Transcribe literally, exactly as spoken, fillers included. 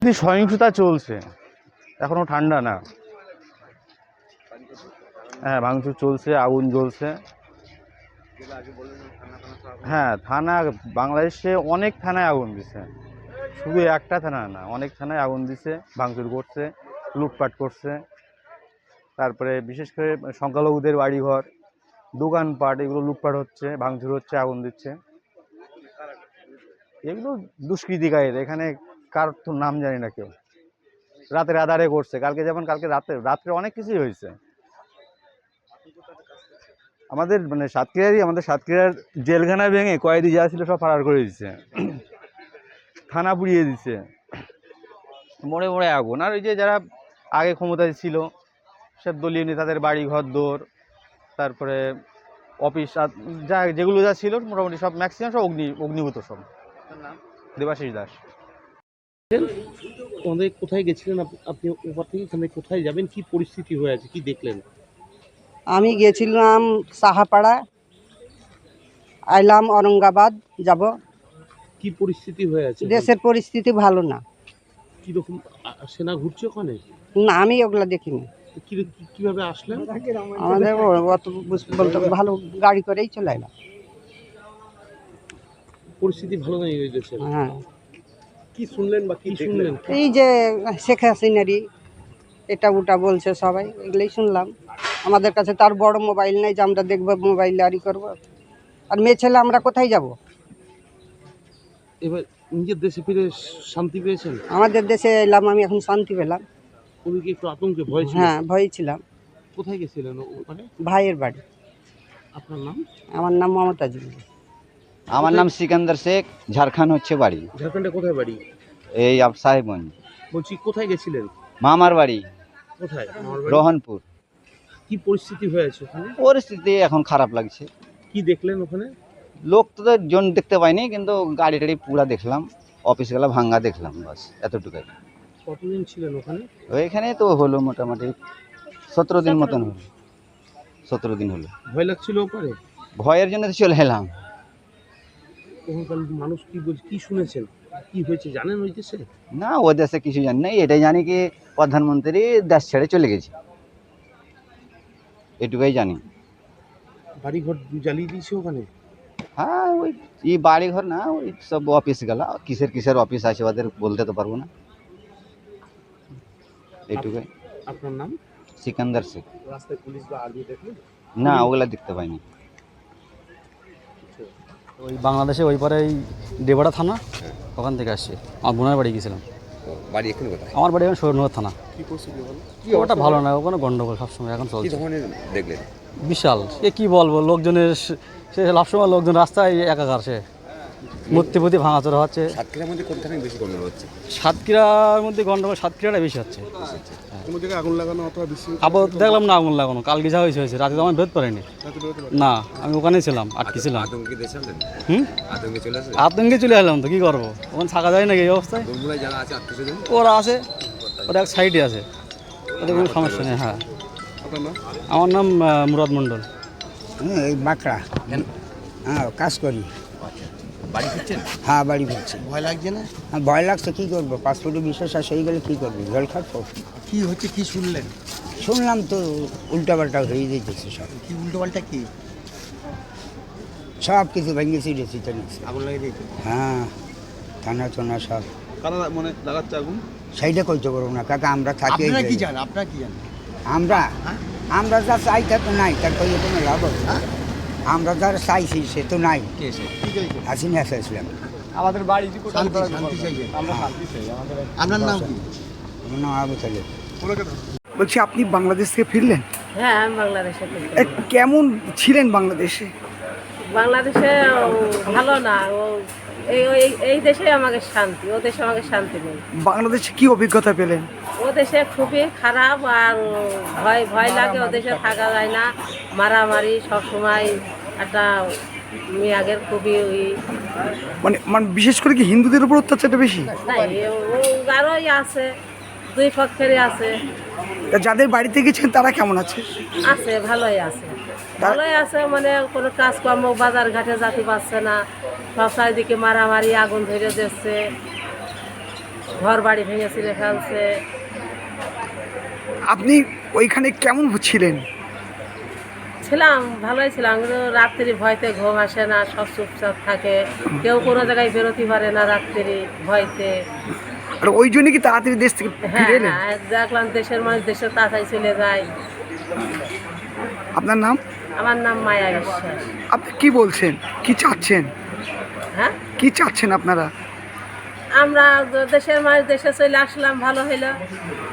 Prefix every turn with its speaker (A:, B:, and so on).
A: সহিংসতা চলছে, এখনো ঠান্ডা না। হ্যাঁ, ভাঙচুর চলছে, আগুন জ্বলছে। হ্যাঁ, থানা বাংলাদেশে অনেক থানায় আগুন দিছে, শুধু একটা থানা না, অনেক থানায় আগুন দিছে, ভাঙচুর করছে, লুটপাট করছে। তারপরে বিশেষ করে সংখ্যালঘুদের বাড়িঘর, দোকানপাট, এগুলো লুটপাট হচ্ছে, ভাঙচুর হচ্ছে, আগুন দিচ্ছে। এগুলো দুষ্কৃতিকারীরা, এখানে কার তো নাম জানি না কেউ, রাতের আধারে করছে। কালকে যেমন কালকে রাতে রাত্রে অনেক কিছুই হয়েছে। আমাদের মানে সাতক্ষীরারই আমাদের সাতক্ষীরার জেলখানা ভেঙে কয়েদি যা ছিল সব ফারার করে দিচ্ছে, থানা পুড়িয়ে দিচ্ছে, মোড়ে মোড়ে আগুন। আর ওই যে যারা আগে ক্ষমতায় ছিল সব দলীয় নেতাদের বাড়ি ঘর দৌড়, তারপরে অফিস যা যেগুলো যা ছিল মোটামুটি সব ম্যাক্সিমাম সব অগ্নি অগ্নিভূত সব। দেবাশিস দাস।
B: ওখানে কোথায় গেছিলেন আপনি? ওপর থেকে এখানে কোথায় যাবেন, কি পরিস্থিতি হয়ে আছে, কি দেখলেন?
C: আমি গেছিলাম সাহাপাড়া, আইলাম औरंगाबाद যাব।
B: কি পরিস্থিতি হয়ে আছে?
C: দেশের পরিস্থিতি ভালো না।
B: কিরকম সেনা ঘুরছে ওখানে?
C: না, আমি ওগুলা দেখিনি।
B: কিভাবে আসলেন?
C: আমাদের অত বলতে ভালো গাড়ি করেই চলে এলাম।
B: পরিস্থিতি ভালো নেই ওই দেশে।
C: হ্যাঁ,
B: কি শুনলেন বা কি শুনলেন?
C: এই যে শেখ হাসিনারই এটা ওটা বলছে সবাই, এগুলোই শুনলাম। আমাদের কাছে তার বড় মোবাইল নেই যে আমরা দেখবো, মোবাইল আরই করবো। আর মেয়ে ছেলে আমরা কোথায় যাব?
B: এবার নিজের দেশে ফিরে শান্তি পেয়েছেন?
C: আমাদের দেশে এলাম, আমি এখন শান্তি পেলাম।
B: ওদিকে একটু আতঙ্কে ভয় ছিল?
C: হ্যাঁ, ভয় ছিলাম।
B: কোথায় গেছিলেন ওখানে?
C: ভাইয়ের বাড়ি।
B: আপনার নাম?
C: আমার নাম মমতা জি।
D: আমার নাম সিকান্দার শেখ, ঝাড়খণ্ড হচ্ছে বাড়ি।
B: ঝাড়খণ্ডে কোথায় বাড়ি?
D: এই সাহেবগঞ্জ।
B: বলছি কোথায় গেছিলেন?
D: মামার বাড়ি
B: কোথায়?
D: রোহনপুর।
B: কি পরিস্থিতি হয়েছে ওখানে?
D: পরিস্থিতি এখন খারাপ লাগছে।
B: কি দেখলেন ওখানে?
D: লোক তো জন দেখতে পাইনি, কিন্তু গাড়ি টাড়ি পুরা দেখলাম, অফিসগুলো ভাঙ্গা দেখলাম, বাস এতটুকুই।
B: কতদিন ছিলেন ওখানে?
D: ওইখানে তো হলো মোটামুটি সতেরো দিন মতন হলো, সতেরো দিন হলো।
B: ভয় লাগছিল ওপারে?
D: ভয়ের জন্য তো চলে এলাম।
B: ওখানকার মানুষ কি বলছে, কি শুনেছেন, কি হয়েছে জানেন ওই দেশে?
D: না, ও দেশে কিছু জানি না, এটাই জানি কি প্রধানমন্ত্রী দেশ ছেড়ে চলে গেছে, এটুকুই জানি।
B: বাড়িঘর জ্বালিয়ে দিয়েছে ওখানে?
D: হ্যাঁ, ওই এই বাড়ি ঘর না, ওই সব অফিস গেলা, কিসের কিসের অফিস আছে ওদের বলতে তো পারবো না, এইটুকুই।
B: আপনার নাম?
D: সিকান্দার শেখ।
B: রাস্তায় পুলিশ বা আর্মি দেখলেন?
D: না, ওগুলা দেখতে পাইনি।
E: ওই বাংলাদেশে ওই পারে দেবড়া থানা, ওখান থেকে আসছে। আমার বোনের বাড়ি গেছিলাম।
F: বাড়ি এখানে কোথায়?
E: আমার বাড়ি এখন শরীরনগর থানা।
B: কি পরিস্থিতি বলো?
E: ওটা ভালো না, ওখানে গন্ডগোল সবসময় এখন
F: কি
E: চলছে।
F: ধরনের দেখলেন?
E: বিশাল, এ কি বলবো, লোকজনের সে সবসময় লোকজন রাস্তায় একাকার, সে মূর্তি পুঁতি ভাঙাচোরা হচ্ছে।
F: সাতক্ষীরার মধ্যে কোনখানে বেশি গন্ডগোল হচ্ছে?
E: সাতক্ষীরার মধ্যে গন্ডগোল সাতক্ষীরাটা বেশি হচ্ছে।
B: কোনো জায়গায় আগুন লাগানো অথবা বেশি?
E: আবার দেখলাম না আগুন লাগানো, কালকে যা হয়েছে হয়েছে, রাতে তো আমি বেরোতে পারিনি। না, আমি ওখানেই ছিলাম, আটকে ছিলাম।
F: আতঙ্কে দেশে আসলেন?
E: হুম,
F: আতঙ্কে চলে আসে?
E: আতঙ্কে চলে এলাম তো, কি করবো, ওখানে থাকা যায় নাকি এই অবস্থায়?
F: বগুড়ায় যারা আছে আত্মীয়স্বজন?
E: ওরা আছে, ওরা এক সাইডে আছে, ওদের কোনো সমস্যা নেই। হ্যাঁ, আমার নাম আহ, মুরাদ মণ্ডল।
G: হ্যাঁ, এই বাঁকড়া। হ্যাঁ, কাজ করি।
F: বাড়ি ফিরছেন?
G: হ্যাঁ, বাড়ি ফিরছি।
F: ভয় লাগছে না?
G: হ্যাঁ, ভয় লাগছে, কী করবো, পাসপোর্টে বিশ্বাস আসে হয়ে গেলে কী করবি, জল খাবো।
F: কি হচ্ছে, কি শুনলেন?
G: শুনলাম তো উল্টাপাল্টা হয়ে যেতেছে সব।
F: কি উল্টোপাল্টা? কি
G: সব কিছু ভেঙে ছিঁড়েছি জানিস।
F: আগুন লাগিয়ে দিয়েছে?
G: হ্যাঁ, থানা টানা সব।
B: কারা মানে লাগাচ্ছে আগুন?
G: সেইটা কইতে পারবো না কাকা, আমরা থাকি।
F: আপনারা কি জানেন? আপনারা কি জানেন?
G: আমরা আমরা যা চাই তা তো নাই, তার কইয়ে কোনো লাভ হবে? আমরা যারা চাইছি সে তো নাই।
F: কে এসে? কি চাইছে?
G: হাসিনা চাইছিলাম।
E: আমাদের বাড়ি
F: শান্তি, শান্তি চাইছে।
E: আমরা শান্তি চাই।
F: আপনার নাম কি?
G: আমার নাম আবু তালেব।
H: বলছি আপনি বাংলাদেশ থেকে ফিরলেন?
I: হ্যাঁ, আমি বাংলাদেশে থাকি।
H: এ, কেমন ছিলেন বাংলাদেশে?
I: বাংলাদেশে ও ভালো না, ও এই এই- এই দেশে আমাকে শান্তি, ও দেশে আমাকে শান্তি নেই।
H: বাংলাদেশে কি অভিজ্ঞতা পেলেন?
I: ও দেশে খুবই খারাপ, আর ভয় ভয় লাগে, ও দেশে থাকা যায় না, মারামারি সব সময়, একটা মেয়াগের খুবই ওই
H: মানে মানে বিশেষ করে কি হিন্দুদের উপর অত্যাচারটা বেশি?
I: নাই, ও আরোই আছে, দুই পক্ষেরই আছে।
H: তা যাদের বাড়িতে গেছেন তারা কেমন আছে?
I: আছে, ভালোই আছে, ভালোই আছে, মানে কোনো কাজকর্ম বাজার ঘাটে যেতে পারছে না, সব চারিদিকে মারামারি, আগুন ধরে দিচ্ছে, ঘর বাড়ি ভেঙে ছিঁড়ে ফেলছে।
H: আপনি ওইখানে কেমন ছিলেন?
I: ছিলাম ভালোই ছিলাম, কিন্তু রাত্রি ভয়তে ঘুম আসে না, সব চুপচাপ থাকে, কেউ কোনো জায়গায় বেরোতে পারে না রাত্রি ভয়তে।
H: আর ওই জন্য কি তাড়াতাড়ি দেশ থেকে
I: হ্যাঁ
H: ফিরে এলেন?
I: হ্যাঁ, দেখলাম দেশের মানুষ দেশে তাড়াতাড়ি চলে যায়।
H: আপনার নাম?
I: আমার নাম মায়া বিশ্বাস।
H: আপনি কি বলছেন, কি চাচ্ছেন?
I: হ্যাঁ,
H: কি চাচ্ছেন আপনারা?
I: আমরা দেশের মানুষ দেশে চলে আসলাম, ভালো হইলো।